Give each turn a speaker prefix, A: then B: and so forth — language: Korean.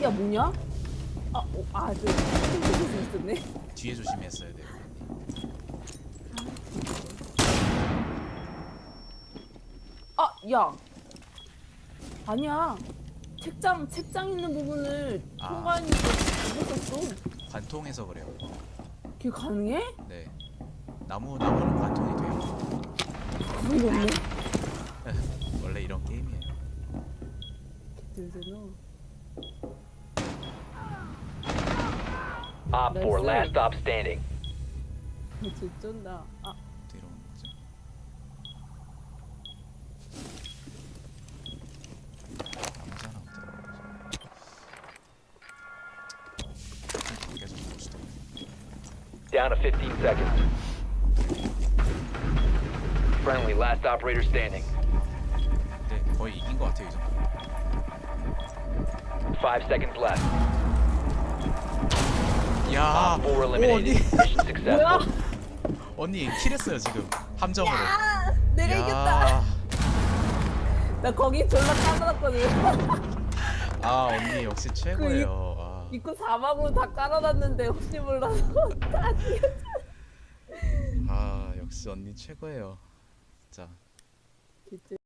A: 야 뭐냐? 저 핑크색이 있었네.
B: 뒤에 조심했어야 돼요.
A: 야. 아니야. 책장 있는 부분을 통과했는데 못했어.
B: 관통해서 그래요.
A: 그게 가능해?
B: 네. 나무는 관통이 돼요.
A: 그런 거 없네.
B: 원래 이런 게임이에요.
A: 들잖아.
C: Op 4, last stop standing.
A: 진쩐다.
B: 뒤로 오는 거죠. 아무 사람 없더라고요. 계속 보시더라고요.
C: Down to 15 seconds. Friendly, last operator standing.
B: 근데 거의 이긴 것 같아요, 이 정도.
C: 5 seconds left.
B: 야,
C: Op 4 eliminated. Mission successful.
B: 언니 킬했어요 지금 함정으로.
A: 내가
B: 야.
A: 이겼다. 나 거기 졸라 깔아놨거든.
B: 언니 역시 최고예요.
A: 입구 사막으로 다 깔아놨는데 혹시 몰라서 다 죽였어.
B: 역시 언니 최고예요. 진짜.
A: 진짜.